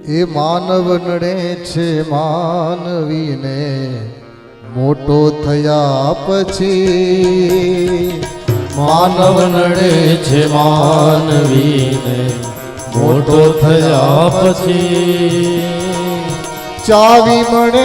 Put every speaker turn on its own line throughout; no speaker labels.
એ માનવ નડે છે માનવીને મોટો થયા પછી
માનવ નડે છે માનવીને મોટો થયા પછી
ચાવી મળે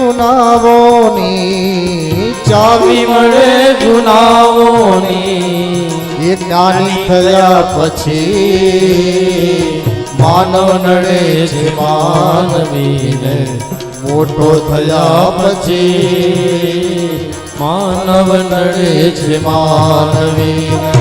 ગુનાહોની
ચાવી મળે ગુનાહોની
એ જ્ઞાની થયા પછી
માનવ નડે છે માનવીને મોટો થયા પછી માનવ નડે છે માનવીને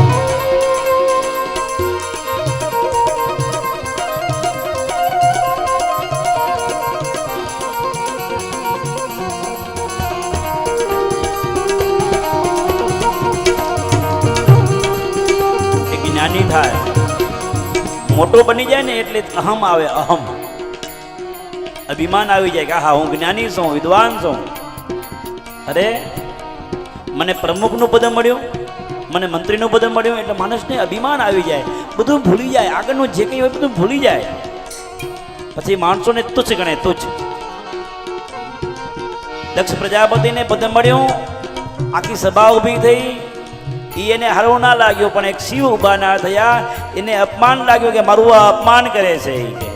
જ્ઞાની થાય મોટો બની જાય ને એટલે અહમ આવે અહમ અભિમાન આવી જાય કે હા હું જ્ઞાની છું વિદ્વાન છું અરે મને પ્રમુખનું પદ મળ્યું મને મંત્રીનું પદ મળ્યું એટલે માણસને અભિમાન આવી જાય બધું ભૂલી જાય આગળનું જે કંઈ હોય બધું ભૂલી જાય પછી માણસોને તુચ્છ ગણે તુચ્છ દક્ષ પ્રજાપતિને પદ મળ્યું આખી સભા ઊભી થઈ એને હારો ના લાગ્યો પણ એક શિવ ઉભા ના થયા એને અપમાન લાગ્યું કે મારું આ અપમાન કરે છે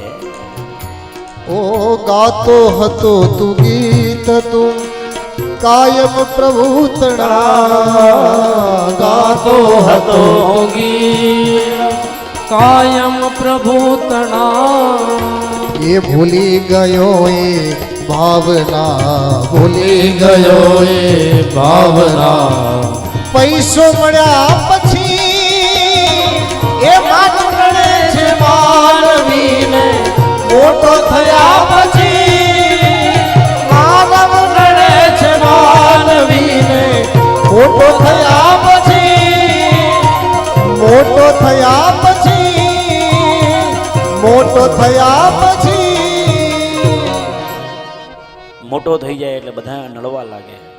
ઓ ગાતો હતો તું ગીત તું કાયમ પ્રભુ તણા
ગાતો હતો ગીત કાયમ પ્રભુ તણા
એ ભૂલી ગયો એ ભાવના
ભૂલી ગયો એ ભાવના
પૈસો મળ્યા પછી એ માનવ નડે છે
માનવીને મોટો થયા પછી માનવ નડે છે માનવીને
મોટો થયા પછી મોટો થયા પછી મોટો થયા પછી
મોટો થઈ જાય એટલે બધા નડવા લાગે